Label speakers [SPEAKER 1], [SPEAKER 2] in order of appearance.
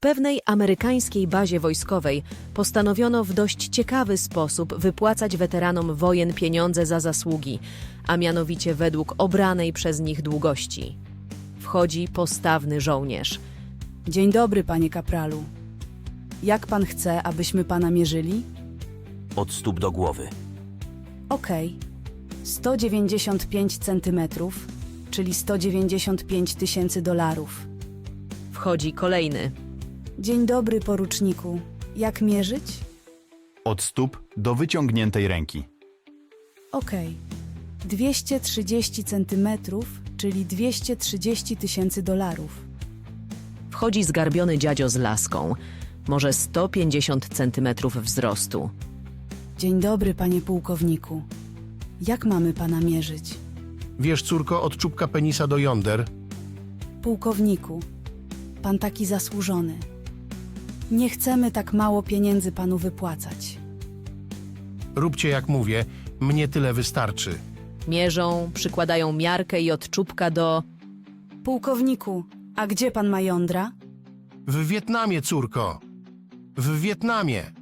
[SPEAKER 1] pewnej amerykańskiej bazie wojskowej postanowiono w dość ciekawy sposób wypłacać weteranom wojen pieniądze za zasługi, a mianowicie według obranej przez nich długości. Wchodzi postawny żołnierz.
[SPEAKER 2] Dzień dobry, panie kapralu. Jak pan chce, abyśmy pana mierzyli?
[SPEAKER 3] Od stóp do głowy.
[SPEAKER 2] Okej. 195 centymetrów, czyli 195 000 dolarów.
[SPEAKER 1] Wchodzi kolejny.
[SPEAKER 2] Dzień dobry, poruczniku. Jak mierzyć?
[SPEAKER 4] Od stóp do wyciągniętej ręki.
[SPEAKER 2] Okej. 230 centymetrów, czyli 230 000 dolarów.
[SPEAKER 1] Wchodzi zgarbiony dziadzio z laską, może 150 centymetrów wzrostu.
[SPEAKER 2] Dzień dobry, panie pułkowniku. Jak mamy pana mierzyć?
[SPEAKER 5] Wiesz, córko, od czubka penisa do jąder.
[SPEAKER 2] Pułkowniku, pan taki zasłużony. Nie chcemy tak mało pieniędzy panu wypłacać.
[SPEAKER 5] Róbcie jak mówię, mnie tyle wystarczy.
[SPEAKER 1] Mierzą, przykładają miarkę i od czubka do...
[SPEAKER 2] Pułkowniku, a gdzie pan ma jądra?
[SPEAKER 5] W Wietnamie, córko. W Wietnamie.